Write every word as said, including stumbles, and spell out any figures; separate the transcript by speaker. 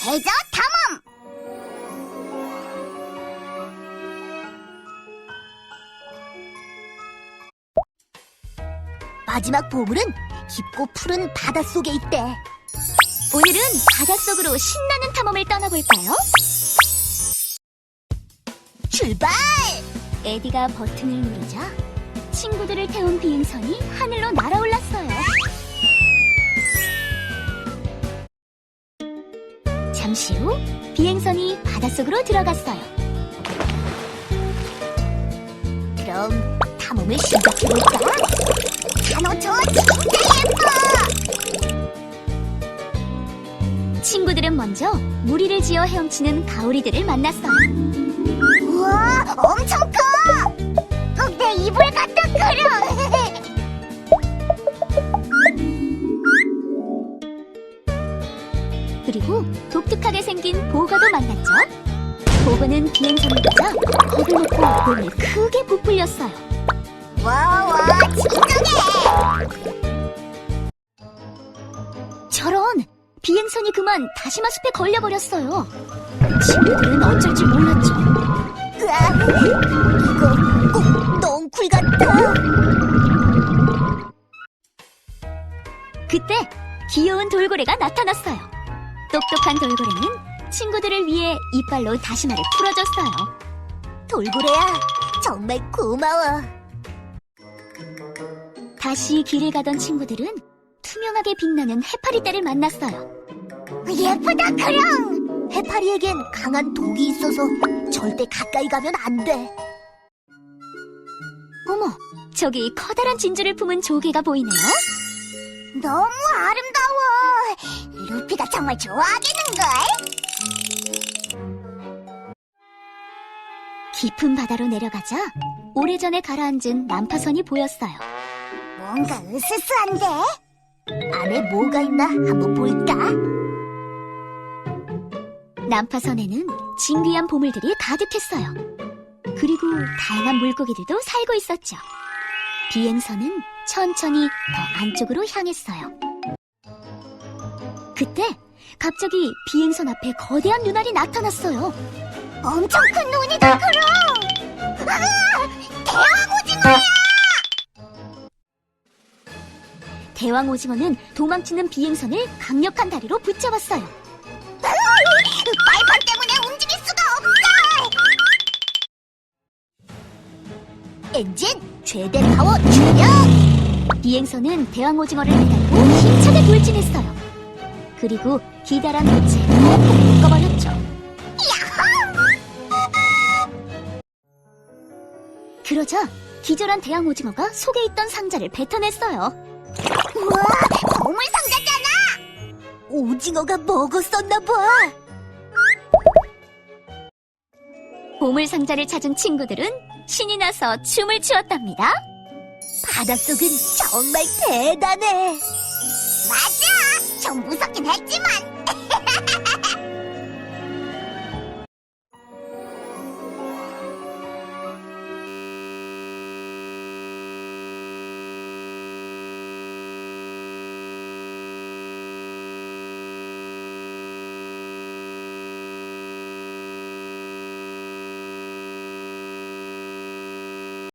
Speaker 1: 해저 탐험! 마지막 보물은 깊고 푸른 바닷속에 있대.
Speaker 2: 오늘은 바닷속으로 신나는 탐험을 떠나볼까요?
Speaker 1: 출발!
Speaker 2: 에디가 버튼을 누르자 친구들을 태운 비행선이 하늘로 날아올랐어요. 잠시 후 비행선이 바닷속으로 들어갔어요.
Speaker 1: 그럼 탐험을 시작해볼까? 산호초 진짜 예뻐!
Speaker 2: 친구들은 먼저 무리를 지어 헤엄치는 가오리들을 만났어요.
Speaker 1: 우와, 엄청 커! 어, 내 이불 같아, 그려!
Speaker 2: 그리고 독특하게 생긴 보거도 만났죠. 보거는 비행선을 보자 겁을 먹고 몸을 크게 부풀렸어요.
Speaker 1: 와, 와, 진정해!
Speaker 2: 저런! 비행선이 그만 다시마 숲에 걸려버렸어요. 친구들은 어쩔 줄 몰랐죠.
Speaker 1: 으아, 이거 꼭 넝쿨 같아!
Speaker 2: 그때 귀여운 돌고래가 나타났어요. 똑똑한 돌고래는 친구들을 위해 이빨로 다시마를 풀어줬어요.
Speaker 1: 돌고래야, 정말 고마워.
Speaker 2: 다시 길을 가던 친구들은 투명하게 빛나는 해파리떼를 만났어요.
Speaker 1: 예쁘다, 그령! 해파리에겐 강한 독이 있어서 절대 가까이 가면 안 돼.
Speaker 2: 어머, 저기 커다란 진주를 품은 조개가 보이네요.
Speaker 1: 너무 아름다워. 루피가 정말 좋아하겠는걸?
Speaker 2: 깊은 바다로 내려가자 오래전에 가라앉은 난파선이 보였어요.
Speaker 1: 뭔가 으스스한데? 안에 뭐가 있나 한번 볼까?
Speaker 2: 난파선에는 진귀한 보물들이 가득했어요. 그리고 다양한 물고기들도 살고 있었죠. 비행선은 천천히 더 안쪽으로 향했어요. 그때 갑자기 비행선 앞에 거대한 눈알이 나타났어요.
Speaker 1: 엄청 큰 눈이다, 그럼! 아! 대왕 오징어야!
Speaker 2: 대왕 오징어는 도망치는 비행선을 강력한 다리로 붙잡았어요.
Speaker 1: 빨판 때문에 움직일 수가 없어! 엔진 최대 파워 출력!
Speaker 2: 비행선은 대왕 오징어를 매달고 힘차게 돌진했어요. 그리고 기다란 빛에 펑펑 묶어버렸죠. 그러자 기절한 대왕 오징어가 속에 있던 상자를 뱉어냈어요.
Speaker 1: 우와, 보물 상자잖아! 오징어가 먹었었나봐.
Speaker 2: 보물 상자를 찾은 친구들은 신이 나서 춤을 추었답니다.
Speaker 1: 바닷속은 정말 대단해. 맞아! 좀 무섭긴 했지만